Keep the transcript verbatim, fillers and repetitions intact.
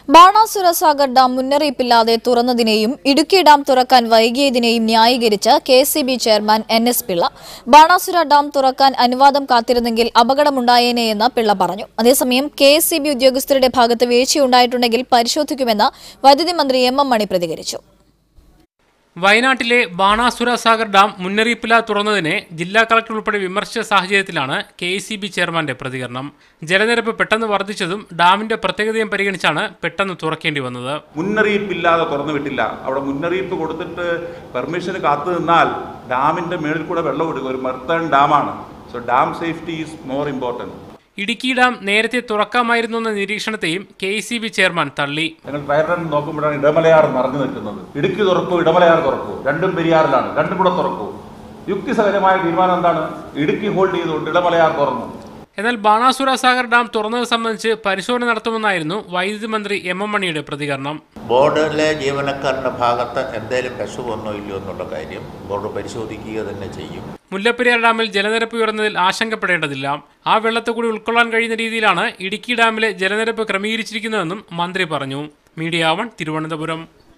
Banasura Sagar dam മുന്നറിയിപ്പില്ലാതെ തുറന്നതിനെയും Idukki dam തുറക്കാൻ വൈകിയതിനെയും ന്യായീകരിച്ച് K S E B chairman N S Pillai. Banasura dam തുറക്കാൻ അനുവാദം കാത്തിരുന്നെങ്കിൽ അപകടമുണ്ടായേനെയെന്ന് പിള്ള പറഞ്ഞു. അതേസമയം കെ എസ് ഇ ബി ഉദ്യോഗസ്ഥരുടെ ഭാഗത്ത് വീഴ്ചയുണ്ടായിട്ടുണ്ടെങ്കിൽ പരിശോധിക്കുമെന്ന് വൈദ്യുതി മന്ത്രി എം എം മണി പ്രതികരിച്ചു. വയനാട്ടിലെ ബാണാസുര സാഗർ ഡാം മുന്നറിയിപ്പില്ലാതെ തുറന്നതിനെ ജില്ലാ കളക്ടർ ഉൾപ്പെടെ വിമർശിച്ച സാഹചര്യത്തിലാണ് കെ എസ് ഇ ബി ചെയർമാന്റെ പ്രതികരണം. ജലനിരപ്പ് പെട്ടെന്ന് വർദ്ധിച്ചതും ഡാമിന്റെ പ്രത്യേകതയും പരിഗണിച്ചാണ് പെട്ടെന്ന് തുറക്കേണ്ടി വന്നത്. മുന്നറിയിപ്പില്ലാതെ തുറന്നു വിട്ടില്ല. അവിടെ മുന്നറിയിപ്പ് കൊടുത്തിട്ട് പെർമിഷന് കാത്തു നിന്നാൽ ഡാമിന്റെ മേളിൽ കൂടെ വെള്ളം ഒഴുകും. ഒരു മെർത്തേൺ ഡാമാണ്. So dam safety is more important. Idukki dam നേരത്തെ തുറക്കാമായിരുന്നു എന്ന നിരീക്ഷണത്തെയും K S E B chairman തള്ളി. ഞങ്ങൾ ഫയർ നോക്കുമ്പോഴാണ് ഇടമലയാർ നിറഞ്ഞു നിൽക്കുന്നത്. ഇടുക്കി തുറക്കൂ, ഇടമലയാർ തുറക്കൂ, രണ്ടും പെരിയാറിലാണ്, രണ്ടും കൂടെ തുറക്കൂ. യുക്തിസഹജമായ തീരുമാനം എന്താണ്? ഇടുക്കി ഹോൾഡ് ചെയ്തുകൊണ്ട് ഇടമലയാർ തുറന്നു. എന്നാൽ ബാണാസുര സാഗർ ഡാം തുറന്നത് സംബന്ധിച്ച് പരിശോധന നടത്തുമെന്നായിരുന്നു വൈദ്യുതി മന്ത്രി എം എം മണിയുടെ പ്രതികരണം. ബോർഡിലെ ജീവനക്കാരുടെ ഭാഗത്ത് എന്തെങ്കിലും കശു വന്നോ ഇല്ലയോ എന്നുള്ള കാര്യം ബോർഡ് പരിശോധിക്കുക തന്നെ ചെയ്യും. മുല്ലപ്പെരിയാർ ഡാമിൽ ജലനിരപ്പ് ഉയർന്നതിൽ ആശങ്കപ്പെടേണ്ടതില്ല. ആ വെള്ളത്തെ കൂടി ഉൾക്കൊള്ളാൻ കഴിയുന്ന രീതിയിലാണ് ഇടുക്കി ഡാമിലെ ജലനിരപ്പ് ക്രമീകരിച്ചിരിക്കുന്നതെന്നും മന്ത്രി പറഞ്ഞു. Media One, Thiruvananthapuram.